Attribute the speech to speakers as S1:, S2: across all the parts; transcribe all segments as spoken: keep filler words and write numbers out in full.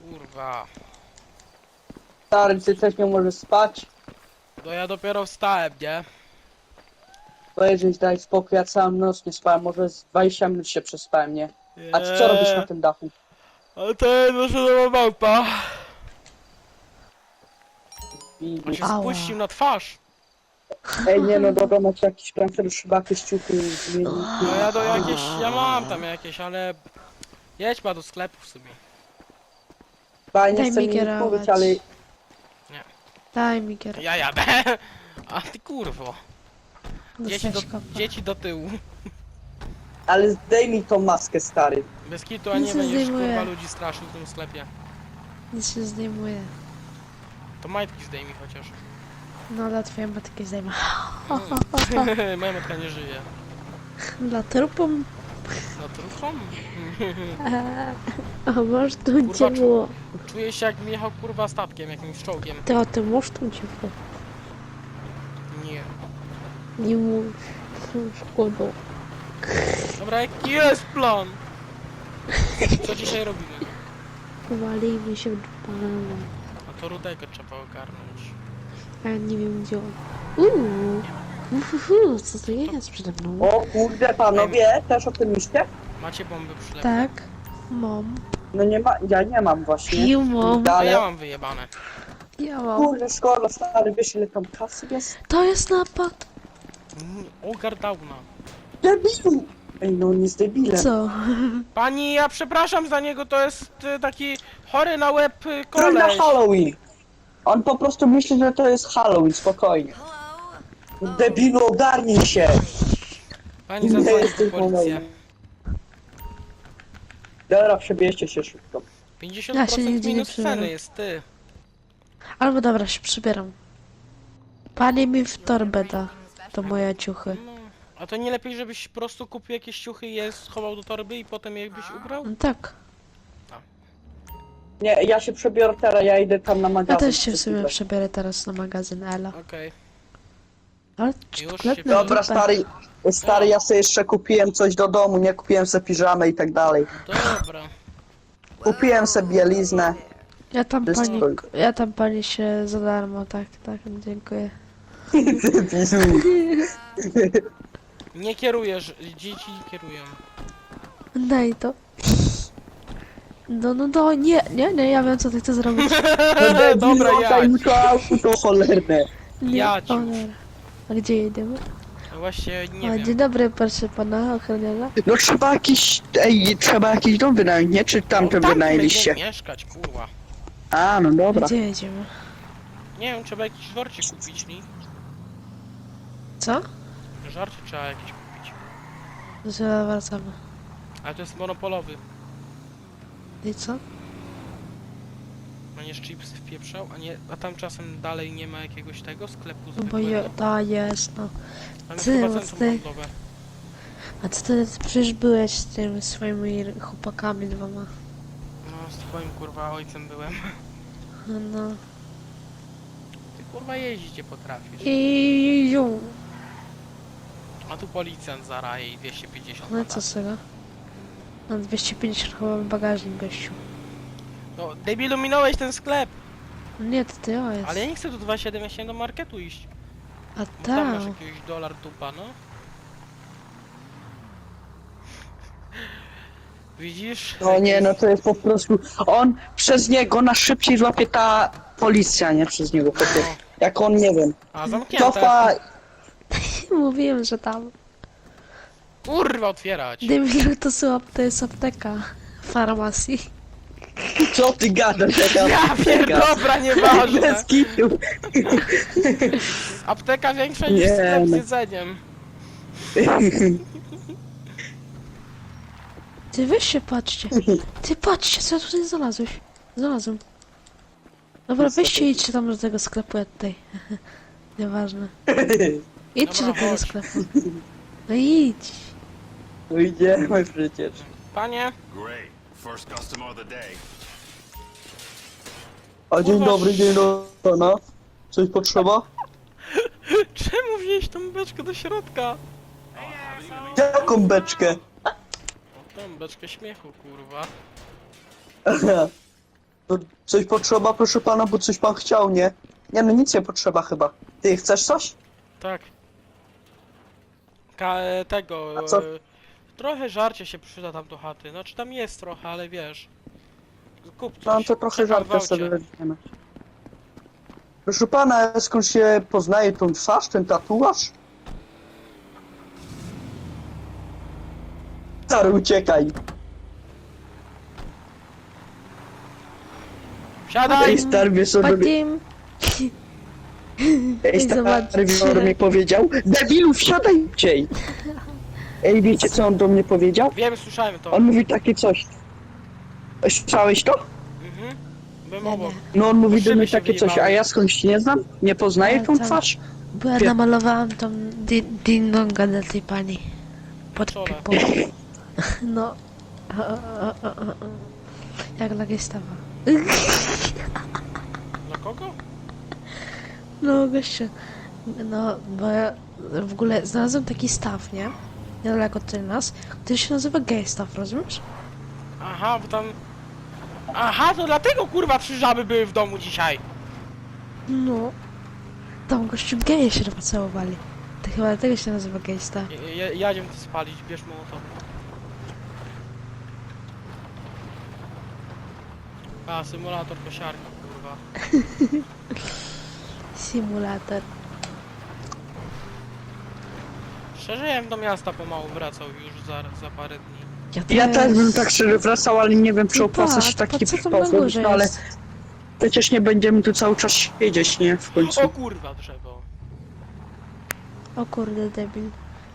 S1: Kurwa.
S2: Stary, ty też nie możesz spać?
S1: No ja dopiero wstałem, nie?
S2: Powiedz, daj spokój, ja całą noc nie spałem, może z dwadzieścia minut się przespałem, nie? A ty co robisz na tym dachu?
S1: Ale to jest nasza nowa małpa.
S2: I...
S1: On się
S3: Ała.
S1: spuścił na twarz.
S2: Ej, nie no, dobra, macie jakiś plan, żeby chyba jakieś ciuchy zmienić.
S1: No ja do jakieś... Ja mam tam jakieś, ale... Jedź ma do sklepu w sumie.
S2: Chyba nie
S3: Daj
S2: chcę
S3: mi
S2: mi
S3: kierować.
S2: mówić, ale...
S3: Daj mi gier.
S1: Ja jadę. A ty kurwo. Dzieci do,
S3: Dostałeś kopa.
S1: dzieci do tyłu.
S2: Ale zdejmij mi tą maskę, stary.
S1: Bez kitu, a
S3: Nic
S1: nie
S3: nie
S1: będziesz
S3: zdejmuję.
S1: kurwa ludzi straszył w tym sklepie.
S3: Nic się zdejmuje.
S1: To majtki zdejmij chociaż.
S3: No dla twojej matki zdejmę.
S1: Moja matka nie żyje.
S3: Dla trupom.
S1: No trufą?
S3: A masz tu
S1: Kurwa,
S3: gdzie było.
S1: Czuję się jak jechał kurwa statkiem, jakimś czołgiem.
S3: Ty o tym masz tu gdzie było.
S1: Nie.
S3: Nie mów. Szkoda.
S1: Dobra, jaki jest plan? Co dzisiaj robimy?
S3: Walimy się w dupę.
S1: A to rudego trzeba ogarnąć.
S3: A ja nie wiem gdzie on. Uuu. Uhuhu, co to jest przede mną?
S2: O kurde, panowie, też o tym myślicie?
S1: Macie bomby przylepne?
S3: Tak. Mam.
S2: No nie ma, ja nie mam właśnie.
S3: Ja mam.
S1: A
S2: Ale...
S1: ja mam wyjebane.
S3: Ja mam.
S2: Kurde, szkoda, stary, wiesz ile tam kasy jest?
S3: To jest napad.
S1: Mm, Ogar downa.
S2: Debilu! Ej, no on jest debilem.
S3: Co?
S1: Pani, ja przepraszam za niego, to jest y, taki chory na łeb y,
S2: To na
S1: koleś.
S2: Halloween. On po prostu myśli, że to jest Halloween, spokojnie. Debilu, ogarnij się!
S1: Pani
S2: Nie
S1: zadzwoni
S2: jesteś
S1: po policję.
S2: normalny. Dobra, przebierzcie się szybko.
S1: pięćdziesiąt
S3: Ja się
S1: procent
S3: nigdzie nie
S1: minus
S3: przebieram.
S1: ceny jest ty.
S3: Albo dobra, się przybieram. Pani mi w torbę da. To moje ciuchy.
S1: No. A to nie lepiej, żebyś po prostu kupił jakieś ciuchy i je schował do torby i potem je byś ubrał?
S3: No tak.
S2: Nie, ja się przebiorę teraz, ja idę tam na
S3: Ja
S2: magazyn.
S3: też się w sumie przebiorę teraz na magazyn Ela.
S1: Okej.
S3: Ale
S1: Już
S3: czteroletnie
S1: się-
S2: Dobra,
S3: dupę.
S2: stary, stary, ja sobie jeszcze kupiłem coś do domu, nie kupiłem sobie piżamy i tak dalej.
S1: Dobra.
S2: Kupiłem sobie bieliznę.
S3: Ja tam
S2: Wiesz
S3: pani,
S2: co?
S3: ja tam pani się za darmo, tak, tak, dziękuję.
S1: Nie kierujesz, dzieci kierują.
S3: Daj to. No, no, no, nie, nie, nie, ja wiem co ty chcesz zrobić.
S2: No
S1: Dobra,
S2: debilu,
S1: ja.
S2: daj mi to auto cholerne.
S3: Nie,
S1: Ja
S3: o,
S1: ci.
S3: dobra. A gdzie jedziemy?
S1: No właśnie, nie
S3: O,
S1: wiem.
S3: dzień dobry, proszę pana ochroniarza.
S2: No trzeba jakiś, ej, trzeba jakiś dom wynająć, nie? Czy tamten
S1: No, tam
S2: wynajęliście?
S1: będziemy mieszkać, kurwa.
S2: A, no dobra.
S3: Gdzie jedziemy?
S1: Nie wiem, trzeba jakiś żarcie kupić, nie?
S3: Co?
S1: Żarcie trzeba jakieś kupić.
S3: Zaraz wracamy.
S1: Ale to jest monopolowy.
S3: I co?
S1: Będziesz chipsy wpieprzał, a nie, a tam czasem dalej nie ma jakiegoś tego sklepu
S3: No bo
S1: zwykłego.
S3: je, ta jest, no.
S1: Tam jest
S3: ty,
S1: chyba
S3: bo
S1: centrum
S3: ty-
S1: handlowe.
S3: A ty wtedy przecież byłeś z tymi swoimi chłopakami dwoma.
S1: No, z twoim kurwa ojcem byłem.
S3: No, no.
S1: Ty kurwa jeździć nie potrafisz.
S3: I ją.
S1: A tu policjant zaraje i dwieście pięćdziesiąt
S3: No i
S1: mandatów.
S3: co z tego? Na dwieście pięćdziesiąt chyba bagażnik, gościu.
S1: No, debilu, minąłeś ten sklep!
S3: No nie, to ty o jest.
S1: Ale ja nie chcę do dwa siedem, ja chciałem do marketu iść.
S3: A
S1: Bo tam masz
S3: tak.
S1: jakiegoś dolar dupa, no. Widzisz?
S2: No nie, no to jest po prostu, on, przez niego na szybciej złapie ta policja, nie? Przez niego, po prostu.
S1: No.
S2: Jak on, nie wiem,
S1: A, zamknięte.
S2: cofa,
S3: Mówiłem, że tam.
S1: Kurwa, otwierać.
S3: Debilu, to, są, to jest apteka. Farmacji.
S2: co ty gadasz, jaka
S1: Ja pier... Dobra, nieważne.
S2: bez kitu.
S1: Apteka większa niż
S2: Nie,
S1: sklep z
S2: no.
S1: jedzeniem.
S3: Ty weź się patrzcie. Ty patrzcie, co ja tutaj znalazłeś. Znalazłem. Dobra, weźcie idźcie tam do tego sklepu, ja tutaj. Nieważne. Idźcie
S1: Dobra,
S3: do tego
S1: chodź.
S3: sklepu. No idź.
S2: No idziemy przecież.
S1: Panie,
S4: Great. First customer of the day.
S2: A dzień
S1: Kurwa,
S2: dobry, dzień dobry, no. Coś potrzeba?
S1: czemu wziąłeś tą beczkę do środka?
S2: Jaką beczkę?
S1: O, tą beczkę śmiechu, kurwa.
S2: To coś potrzeba, proszę pana, bo coś pan chciał, nie? Nie no, nic nie potrzeba chyba. Ty chcesz coś?
S1: Tak. Ka e, tego...
S2: A co?
S1: E, trochę żarcie się przyda tam do chaty. Znaczy tam jest trochę, ale wiesz. Kup coś.
S2: No to trochę
S1: Czekam w
S2: żarty
S1: aucie.
S2: sobie weźmiemy. Proszę pana, skąd się poznaje tą twarz, ten tatuaż? Stary, uciekaj.
S1: Wsiadaj!
S2: Ej, stary, wiesz co robi...
S3: Patim!
S2: Ej,
S3: Ej, zobaczcie.
S2: stary, wiesz co do mnie powiedział? Debilu, wsiadaj ciej! Ej, wiecie co on do mnie powiedział?
S1: Wiem, słyszałem to.
S2: On mówi takie coś. Słyszałeś to?
S1: Mhm. Byłem
S3: Nie,
S1: obok.
S3: nie.
S2: No on mówi do
S1: Szyby
S2: mnie
S1: się
S2: takie coś, a
S1: wyjebały.
S2: ja skądś nie znam? Nie poznaję
S3: Ale
S2: tą
S3: tam-
S2: twarz?
S3: Bo ja
S2: Wie-
S3: namalowałam tą di- ding-donga dla tej pani. Pod
S1: Czole.
S3: pipą. No. O, o, o, o, o. Jak dla gestawa.
S1: Dla kogo?
S3: No gościu. No, bo ja w ogóle znalazłem taki staw, nie? Niedaleko od nas, który się nazywa gay staw, rozumiesz?
S1: Aha, bo tam... Aha, to dlatego kurwa trzy żaby były w domu dzisiaj.
S3: No. Tam gościu geje się pocałowali. To chyba dlatego się nazywa gay staw.
S1: Je- je- Jadziem to spalić, bierz mołotow. A, symulator kosiarki, kurwa.
S3: Simulator.
S1: Szczerze, ja bym do miasta pomału wracał już za, za parę dni.
S2: Ja
S3: też
S2: też bym tak szczerze wracał, ale nie wiem, czy
S3: No
S2: opłaca
S3: tak,
S2: się taki
S3: po co tam na
S2: przypał
S3: górze
S2: no ale
S3: jest?
S2: przecież nie będziemy tu cały czas siedzieć, nie? W końcu.
S1: O kurwa, drzewo.
S3: O kurde, debil.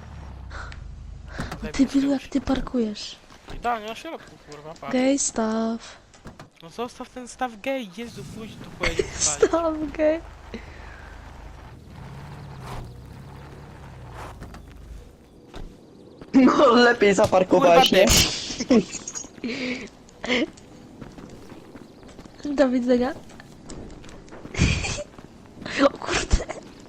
S1: Debil
S3: Debilu, jak
S1: zrobić.
S3: ty parkujesz.
S1: Idealnie na środku, kurwa, patrz.
S3: Gay staw.
S1: No zostaw ten staw gej, Jezu, pójdź tu pojedzie spalić.
S3: Staw gay.
S2: No lepiej zaparkować, nie?
S3: Do widzenia. O kurde.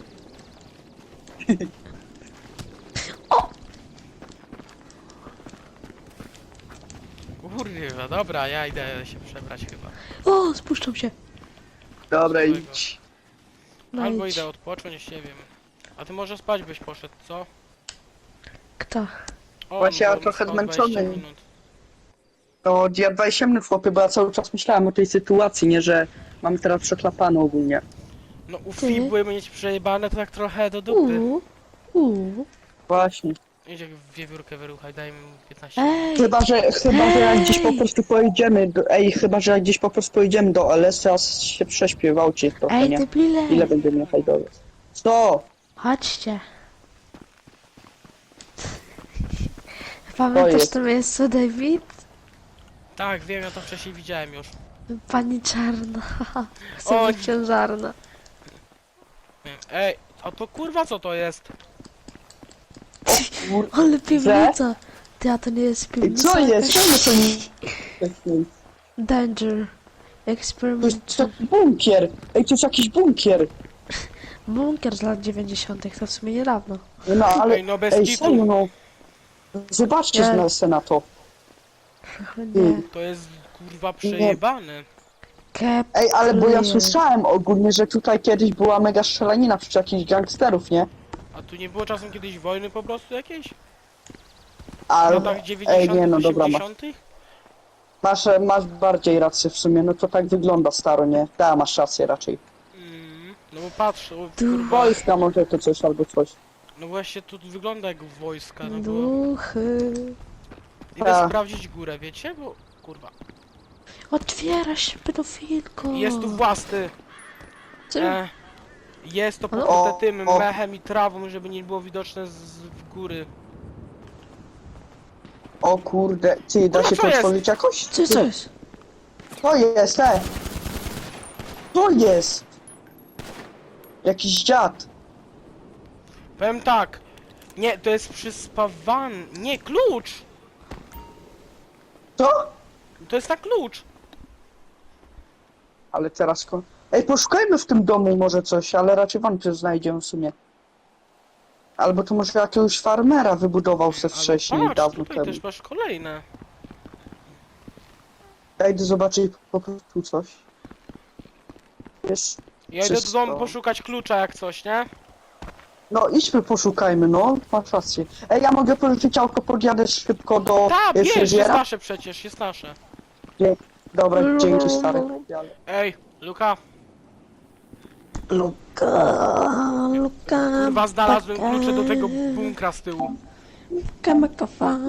S1: Kurwa, dobra, ja idę się przebrać chyba.
S3: O, spuszczam się.
S2: Dobra, idź.
S3: No
S1: Albo
S3: idź.
S1: idę odpocząć, nie wiem. A ty może spać byś poszedł, co?
S3: Kto?
S1: O,
S2: Właśnie ja
S1: bo
S2: trochę
S1: spał dwadzieścia
S2: zmęczony.
S1: minut.
S2: To ja dwadzieścia minut, chłopie, bo ja cały czas myślałem o tej sytuacji, nie? Że mamy teraz przeklapane ogólnie.
S1: No u
S3: Ty?
S1: Fibły mieć przejebane to tak trochę do dupy.
S3: Uuu. Uuu.
S2: Właśnie.
S1: Idzie wiewiórkę wyruchaj, daj mi piętnaście minut.
S3: Ej.
S2: Chyba, że, chyba, że jak gdzieś po
S3: Ej!
S2: prostu pojedziemy do... Ej, chyba, że jak gdzieś po prostu pojedziemy do L S, to ja się prześpię w aucie trochę,
S3: Ej,
S2: nie?
S3: debile.
S2: Ile będziemy jechać do L S? Co?
S3: Chodźcie. Pamiętasz
S2: jest.
S3: to miejsce, David?
S1: Tak, wiem, ja to wcześniej widziałem już.
S3: Pani czarna. Chcę
S1: O,
S3: być ciężarna.
S1: Ej, a to kurwa co to jest?
S2: Kur...
S3: Ale piwnica. Ty, a to nie jest
S2: Ej,
S3: piwnica.
S2: co jest?
S3: jakaś?
S2: Czemu to nie...
S3: Danger.
S2: To jest
S3: Experiment.
S2: to bunkier! Ej, to jest jakiś bunkier!
S3: Bunkier z lat dziewięćdziesiątych. To w sumie niedawno.
S2: No, ale...
S1: Ej, no bez
S2: Ej,
S1: kitu.
S2: serio, no. Zobaczcie
S3: Nie.
S2: na, se na to.
S3: Nie.
S1: To jest kurwa przejebane.
S3: Kep.
S2: Ej, ale bo ja
S3: Pluje.
S2: słyszałem ogólnie, że tutaj kiedyś była mega strzelanina przy jakichś gangsterów, nie?
S1: A tu nie było czasem kiedyś wojny po prostu jakiejś? W
S2: Ale...
S1: latach
S2: Ej,
S1: dziewięćdziesiątych,
S2: nie no, dobra, masz,
S1: osiemdziesiątych?
S2: masz, masz bardziej rację w sumie, no to tak wygląda staro, nie? Da, masz rację raczej.
S1: Mm, no bo patrz, o,
S3: Tu-
S1: kurwa.
S2: Wojska może to coś albo coś.
S1: No właśnie tu wygląda jak wojska, no bo...
S3: Duchy.
S1: Idę
S2: A.
S1: sprawdzić górę, wiecie? Bo kurwa.
S3: Otwiera się pedofilko.
S1: Jest tu własny.
S3: Co?
S1: E, jest to
S3: Ale-
S1: pokryte
S2: O,
S1: tym
S2: o.
S1: mechem i trawą, żeby nie było widoczne z, z góry.
S2: O kurde, ty, da
S1: Kurwa,
S2: się
S1: co
S2: to
S1: jest?
S2: otworzyć jakoś?
S3: Co, co jest?
S2: To jest, e! To jest! Jakiś dziad.
S1: Powiem tak. Nie, to jest przyspawany. Nie, klucz!
S2: Co?
S1: To jest na klucz.
S2: Ale teraz ko... Ej, poszukajmy w tym domu może coś, ale raczej wątpię, że znajdziemy w sumie. Albo to może jakiegoś farmera wybudował se
S1: Ale
S2: wcześniej,
S1: patrz,
S2: dawno
S1: tutaj
S2: temu.
S1: też masz kolejne.
S2: Ja idę zobaczyć po prostu coś. Wiesz?
S1: Ja idę do
S2: Wszystko.
S1: domu poszukać klucza jak coś, nie?
S2: No idźmy poszukajmy, no. Masz rację. Ej, ja mogę pożyczyć auto, podjadę szybko do
S1: Tak,
S2: e,
S1: wiesz, jest
S2: fryzjera?
S1: nasze przecież, jest nasze.
S2: Dobra, dzięki stary.
S1: Ej, Luka,
S3: Luka, Luka,
S1: chyba znalazłem
S3: baka,
S1: klucze do tego bunkra z tyłu.
S3: Luka, makafa.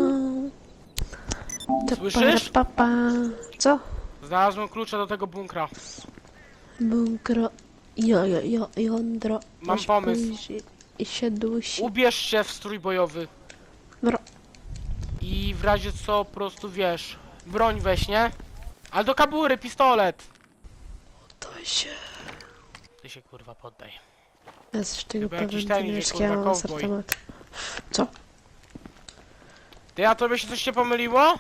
S1: Słyszysz?
S3: Papa. Co?
S1: Znalazłem klucze do tego bunkra.
S3: Bunkro. Jo, jo, jo, jądro.
S1: Mam
S3: Aż
S1: pomysł.
S3: pójdzie I się dusi.
S1: Ubierz się w strój bojowy.
S3: Bro.
S1: I w razie co, po prostu wiesz, broń weź, nie? Ale do kabury, pistolet!
S3: To się.
S1: Ty się kurwa poddaj.
S3: Jest tego
S1: Chyba jakiś
S3: pewien,
S1: ten
S3: to
S1: idzie,
S3: wiesz,
S1: kurwa,
S3: ja mam
S1: cowboy.
S3: asortyment. Co?
S1: Ty, a tobie się coś się pomyliło?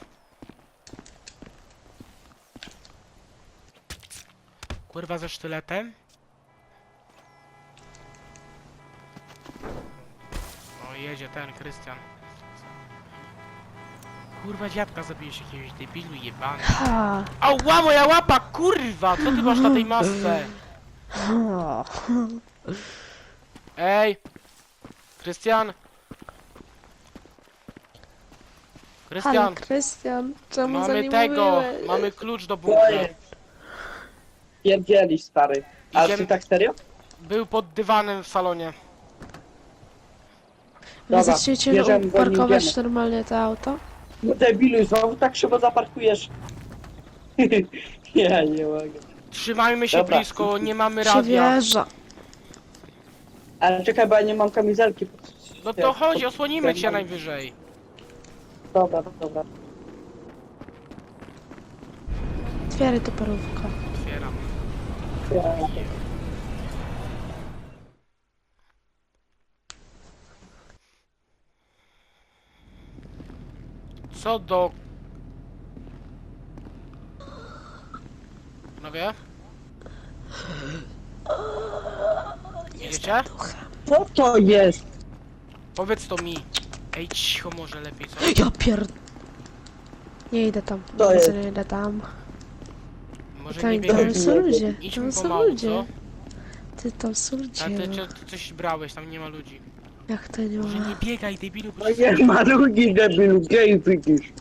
S1: Kurwa ze sztyletem? O, jedzie ten, Krystian. Kurwa dziadka zabijesz jakiegoś debilu jebany.
S3: Ha.
S1: Ała, moja łapa, kurwa! Co ty masz na tej masce?
S3: Ha.
S1: Ej! Krystian!
S3: Ale
S1: Krystian!
S3: Krystian, czemu za
S1: Mamy
S3: nim
S1: tego!
S3: mówiłeś?
S1: Mamy klucz do bunkra.
S2: Pierdzieli stary. A
S1: Idziemy-
S2: ty tak serio?
S1: Był pod dywanem w salonie.
S3: Wy
S2: Dobra,
S3: zaczniecie
S2: bierzemy go, nie
S3: parkować
S2: idziemy.
S3: normalnie to auto?
S2: No debilu, znowu tak szybko zaparkujesz. Ja nie mogę.
S1: Trzymajmy się
S2: Dobra.
S1: blisko, nie mamy radia.
S3: Przywieża.
S2: Ale czekaj, bo ja nie mam kamizelki.
S1: No to chodź, osłonimy cię najwyżej.
S2: Dobra, dobra.
S3: Otwieraj to parówko.
S1: Otwieram. Co do... Panowie? Jedziecie?
S2: Co to jest?
S1: Powiedz to mi. Ej, cicho może lepiej, co?
S3: Ja pier... Nie idę tam.
S2: To
S3: Nie,
S2: jest.
S3: nie idę tam.
S1: Może
S3: Tam,
S1: nie
S3: tam
S1: biegaj.
S3: są ludzie.
S1: Idźmy
S3: Tam są
S1: pomału,
S3: ludzie.
S1: co?
S3: Ty tam są ludzie.
S1: A ty,
S3: no.
S1: ty, ty coś brałeś, tam nie ma ludzi.
S3: Jak to nie
S1: Może
S3: ma?
S1: nie biegaj, debilu, bo
S2: No
S1: cię...
S2: nie ma ludzi, debilu, gej widzisz.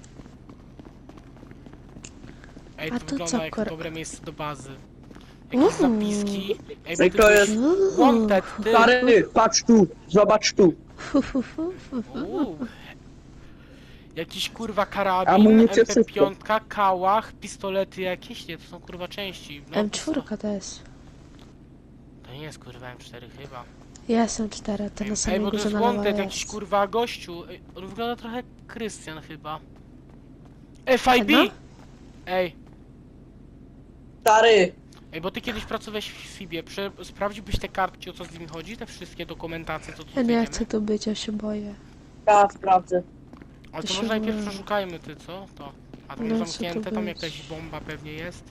S1: Ej,
S3: A
S1: to
S3: to
S1: wygląda
S3: co,
S1: jak
S3: kur-
S1: dobre miejsce do bazy. Jakieś
S3: Uuu.
S1: zapiski. Ej,
S2: Ej,
S1: bo
S2: to
S1: ty
S2: jest-
S1: byś wanted, ty.
S2: Stary, patrz tu, zobacz tu.
S3: Fu, fu, fu, fu, fu.
S1: Uuu. Jakiś kurwa karabin,
S2: Amunicja,
S1: M P
S2: wszystko.
S1: pięć, kałach, pistolety jakieś, nie, to są kurwa części. No,
S3: M cztery to jest.
S1: To nie jest kurwa M cztery chyba.
S3: Ja jestem cztery, to
S1: Ej,
S3: na
S1: ej,
S3: samej
S1: bo to
S3: górze
S1: jest
S3: na lewo
S1: wanted, jakiś
S3: jest.
S1: kurwa gościu. Ej, on wygląda trochę jak Krystian chyba. F I B!
S3: No.
S1: Ej,
S2: Stary,
S1: ej, bo ty kiedyś pracowałeś w Fibie, Prze sprawdziłbyś te kartki, o co z nimi chodzi, te wszystkie dokumentacje, co tu
S3: Ja nie
S1: znajdziemy?
S3: chcę tu być, ja się boję.
S2: ja sprawdzę.
S1: Ale to
S3: się
S1: może najpierw
S3: boję.
S1: przeszukajmy, ty co? To. A tam
S3: No, co
S1: zamknięte,
S3: to
S1: tam
S3: być?
S1: jakaś bomba pewnie jest.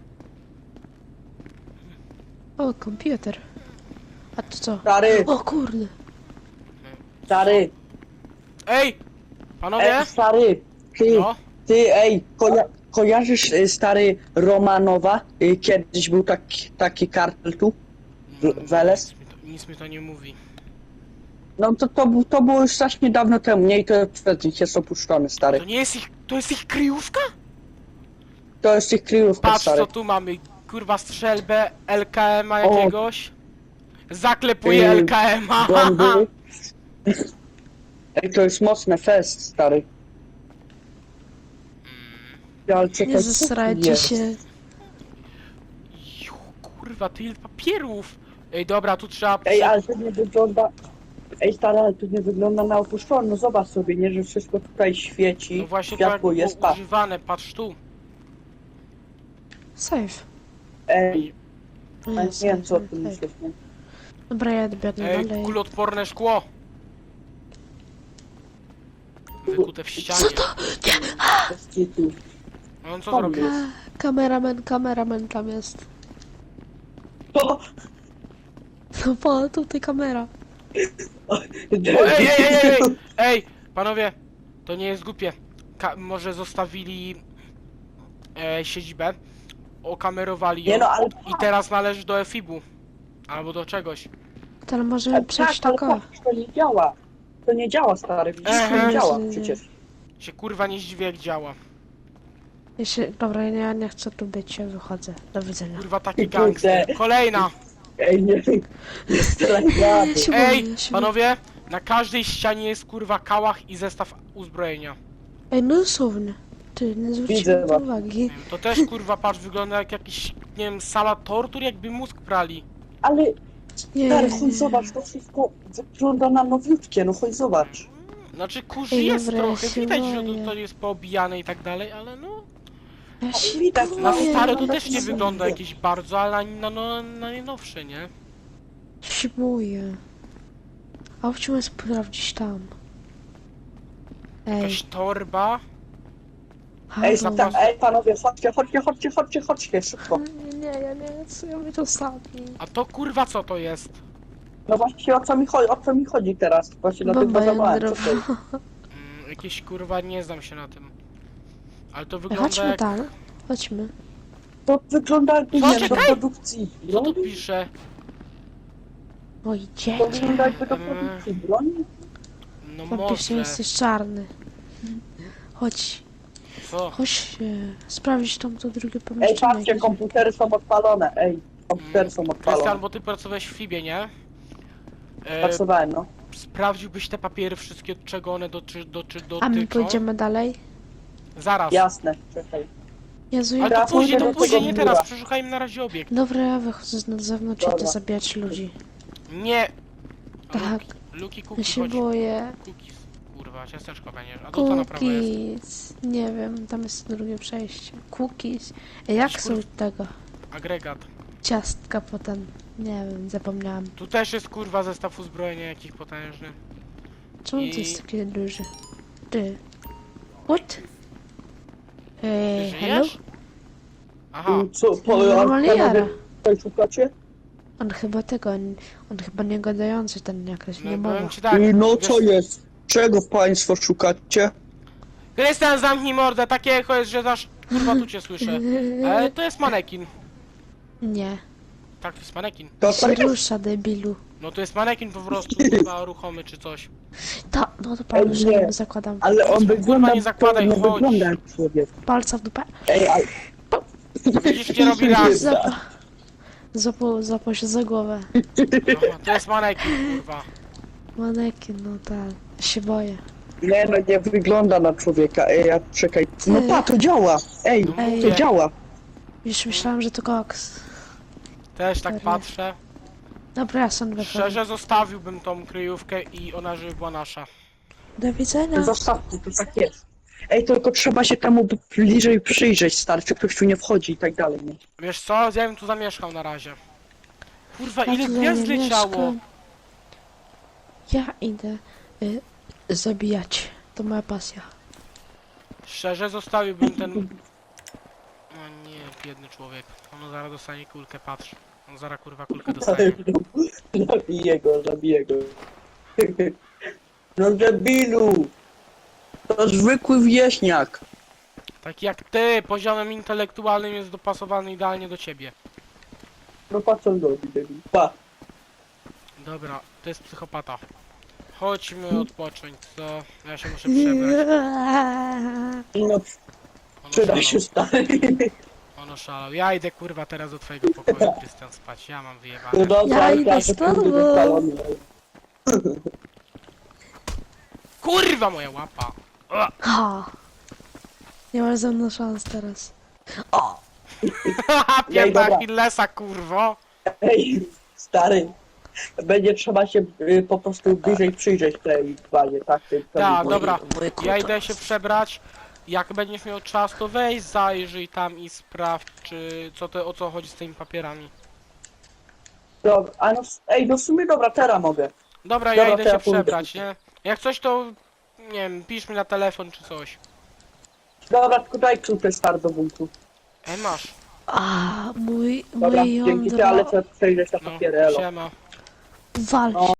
S3: O, komputer. A to co?
S2: Stary,
S3: O kurde.
S2: stary,
S1: Ej! Panowie?
S2: ej, stary, ty,
S1: No?
S2: ty, ej, koja kojarzysz y, stary Romanowa? Y, Kiedyś był taki, taki kartel tu. W- Weles?
S1: Nic mi, to, nic mi to nie mówi.
S2: No to, to, bu- to było już strasznie dawno temu, nie? I to przed nich jest opuszczony,
S1: To
S2: stary.
S1: nie jest ich, to jest ich kryjówka?
S2: To jest ich kryjówka,
S1: Patrz
S2: stary.
S1: co tu mamy, kurwa strzelbę, L K M a jakiegoś. Zaklepuję
S2: Yy,
S1: L K M a.
S2: Bomby. Ej, to jest mocne fest, stary. Ale czekaj,
S3: Nie
S2: co
S3: zesrajcie
S2: jest?
S3: się.
S1: Ju, kurwa, ty ile papierów. Ej, dobra, tu trzeba...
S2: Ej, ale to nie wygląda... Ej, stary, ale to nie wygląda na opuszczone. No zobacz sobie, nie? Że wszystko tutaj świeci.
S1: No właśnie to jak
S2: Światło
S1: było
S2: jest, pa.
S1: używane, patrz tu.
S3: Safe.
S2: Ej,
S3: No
S2: ja nie
S3: jest
S2: wiem
S3: safe,
S2: co ty
S3: safe.
S2: myślisz, nie?
S3: Dobra, ja biegnę
S1: Ej,
S3: dalej.
S1: kulotporne szkło. Wykute w ścianie.
S2: Bez kitu.
S1: No on co
S2: Tam
S1: zrobił?
S2: jest.
S3: A, kameraman, kameraman tam jest.
S2: O!
S3: No po, tutaj kamera.
S1: O, ej, ej, ej, ej, ej, ej, panowie, to nie jest głupie. Ka może zostawili e, siedzibę, okamerowali
S2: Nie
S1: ją
S2: no, ale
S1: i teraz należy do F I B-u. Albo do czegoś.
S3: To ale możemy
S2: ale
S3: przejść
S2: tak, ale
S3: takowo.
S2: patrz, to nie działa. To nie działa, stary, widzisz, to
S1: Ehe.
S2: nie działa
S3: Nie, nie.
S2: przecież.
S1: Się kurwa nie zdziwię jak działa.
S3: Jeśli, dobra, ja nie chcę tu być, ja wychodzę. Do widzenia.
S1: Kurwa taki
S2: Kurde.
S1: gangster. Kolejna!
S2: Ej, nie, nie strzelaj rady.
S3: Ja się
S1: Ej,
S3: boję, ja się
S1: panowie, na każdej ścianie jest kurwa kałach i zestaw uzbrojenia.
S3: boję. Ej, no dosłownie. Ty, nie
S2: Widzę
S3: zwróciłem
S2: was.
S3: uwagi.
S1: To też kurwa patrz, wygląda jak jakiś, nie wiem, sala tortur, jakby mózg prali.
S2: Ale,
S3: Nie,
S2: stary,
S3: nie,
S2: chodź
S3: nie.
S2: zobacz, to wszystko wygląda na nowiutkie, no chodź zobacz.
S1: Znaczy kurzy
S3: Ej,
S1: jest
S3: dobra, ja
S1: trochę,
S3: się
S1: widać, że
S3: boję.
S1: to, to jest poobijane i tak dalej, ale no...
S3: Ja się
S2: widać,
S1: Na
S3: boję.
S1: stare to
S2: no,
S1: też nie
S2: no,
S1: wygląda
S2: no.
S1: jakieś bardzo, ale na, no, na najnowsze, nie?
S3: Ja się boję. A chciałem sprawdzić tam. Ej,
S1: Jakaś torba.
S2: Ej,
S3: halo.
S2: tak, ej, panowie, chodźcie, chodźcie, chodźcie, chodźcie, chodźcie, szybko.
S3: Nie, nie, ja nie chcę, ja mnie to sami.
S1: A to kurwa co to jest?
S2: No właśnie, o co mi chodzi, o co mi chodzi teraz? Właśnie dlatego
S3: Bomba
S2: zabrałem, co to
S3: jądrowa.
S2: jest?
S1: Mm, jakieś kurwa, nie znam się na tym. Ale to
S3: Ej,
S1: wygląda
S3: Chodźmy
S1: jak...
S3: tam, chodźmy.
S2: To wygląda jakby,
S1: Co,
S2: nie wiem, do
S1: czekaj!
S2: produkcji
S1: Co tu
S2: broni.
S1: pisze?
S3: O,
S2: To
S3: idziecie.
S2: wygląda jakby do
S1: Eee.
S2: produkcji broni.
S1: No
S3: Faktycznie
S1: może.
S3: jesteś czarny. Chodź,
S1: Co?
S3: chodź e, sprawdzić tam to drugie
S2: Ej,
S3: pomieszczenie.
S2: patrzcie,
S3: jakieś.
S2: komputery są odpalone, ej, komputery są
S1: Krystian,
S2: odpalone.
S1: bo ty pracowałeś w Fibie, nie? E,
S2: Pracowałem, no.
S1: sprawdziłbyś te papiery wszystkie, czego one doty, doty,
S3: A my
S1: dotyczą?
S3: pójdziemy dalej?
S1: Zaraz.
S2: Jasne, czekaj.
S3: Jezu,
S1: Ale
S3: jak...
S1: to
S2: Teraz
S1: później,
S2: pójdę
S1: to
S2: do
S1: później,
S2: tego
S1: nie
S2: biura.
S1: teraz. Przeszukajmy na razie obiekt.
S3: Dobra, ja wychodzę na zewnątrz i
S2: Dobra.
S3: idę zabijać ludzi.
S1: Nie.
S3: Tak.
S1: Luki, Luki
S3: Ja
S1: cookies,
S3: się
S1: chodź.
S3: boję.
S1: Cookies. Kurwa, ciasteczko będziesz. A to co na prawo jest?
S3: Cookies. Nie wiem, tam jest drugie przejście. Cookies. Ej, jak
S1: Jakiś
S3: są
S1: kur-
S3: tego?
S1: Agregat.
S3: Ciastka potem. Nie wiem, zapomniałam.
S1: Tu też jest kurwa zestaw uzbrojenia jakiś potężny.
S3: Czemu
S1: I-
S3: to jest takie duże? Ty. What? Ej,
S1: Ty
S3: hello?
S1: żyjesz? Aha.
S2: Mm, Co, po,
S3: Normalnie
S2: a
S3: jara.
S2: panowie tutaj szukacie?
S3: On chyba tego, on, on chyba nie gadający ten jakoś,
S1: No
S3: nie
S1: powiem
S3: mowa.
S1: ci tak.
S2: I no
S1: wiesz-
S2: co jest? Czego państwo szukacie?
S1: Krystian, zamknij mordę, takie echo jest, że dasz... Kurwa, tu cię słyszę. Ale to jest manekin.
S3: Nie,
S1: Tak, to jest manekin.
S2: To
S3: się
S2: tak
S3: rusza, debilu.
S1: No to jest manekin po prostu, chyba ruchomy czy coś.
S3: Ta, no to palusz,
S2: nie.
S3: nie zakładam.
S2: ale on
S1: Kurwa,
S2: wygląda,
S1: nie zakładaj,
S2: nie
S1: chodź.
S2: wygląda jak człowiek.
S3: Palca w dupę.
S2: Ej, ale...
S1: Widzisz, gdzie robi raz.
S3: Zapa... Zapo, zapał się za głowę.
S1: Aha, to jest manekin, kurwa.
S3: Manekin, no tak. Ja się boję.
S2: Nie no, nie wygląda na człowieka. Ej, a czekaj. No
S3: Ty.
S2: pa, to działa! Ej,
S1: No
S3: Ej.
S2: to
S1: mówię,
S2: działa!
S3: Już myślałam, że to koks.
S1: też tak
S3: Serio.
S1: patrzę.
S3: Dobra, ja sam wychodzę.
S1: Szczerze zostawiłbym tą kryjówkę i ona żeby była nasza.
S3: Do widzenia.
S2: Zostawcie, to tak jest. Ej, tylko trzeba się temu bliżej przyjrzeć, stary, czy ktoś tu nie wchodzi i tak dalej, nie?
S1: Wiesz co, ja bym tu zamieszkał na razie. Kurwa,
S3: Ja
S1: ile
S3: tutaj
S1: gwiazd
S3: nie
S1: leciało?
S3: mieszkam. Ja idę y, zabijać. To moja pasja.
S1: Szczerze zostawiłbym ten... O nie, biedny człowiek. On zaraz dostanie kulkę, patrz. On zaraz kurwa kulkę dostanie.
S2: Zabiję go, zabiję go. No debilu! To zwykły wieśniak.
S1: Taki jak ty, poziomem intelektualnym jest dopasowany idealnie do ciebie.
S2: No pa co on robi, debil? Pa.
S1: Dobra, to jest psychopata. Chodźmy odpocząć, co? Ja się muszę przebrać.
S2: No
S1: On
S2: przyda
S1: oszalał.
S2: się, stary.
S1: On oszalał. Ja idę kurwa teraz do twojego pokoju, Krystian, spać. Ja mam
S2: No
S1: wyjebane.
S2: dobra,
S3: Ja
S2: ale
S3: idę
S2: tak,
S3: z
S2: to
S3: tobą.
S2: będzie wypalony.
S1: Kurwa moja łapa! O!
S3: Ha! Nie masz ze mną szans teraz.
S1: Haha, pięta
S2: dobra.
S1: Achillesa, kurwo!
S2: Ej, stary. Będzie trzeba się y, po prostu bliżej przyjrzeć tej bazie, tak? Tej- tej-
S1: Tak,
S2: tej-
S1: dobra.
S3: Mój
S1: Ja idę się przebrać. Jak będziesz miał czas, to weź, zajrzyj tam i sprawdź, czy co to, o co chodzi z tymi papierami.
S2: Dobra, a no, ej, no w sumie dobra, teraz mogę.
S1: Dobra, ja
S2: Dobra,
S1: idę
S2: to
S1: się
S2: ja pójdę.
S1: przebrać, nie? Jak coś, to nie wiem, pisz mi na telefon czy coś.
S2: Dobra, tylko daj klucze stary do buntu.
S1: Ej, masz.
S3: A, mój,
S2: Dobra,
S3: mój
S2: dzięki ty, ale
S3: jądro
S2: trzeba przejrzeć na
S1: No,
S2: papiery, elo.
S1: siema.
S3: walcz.
S2: No.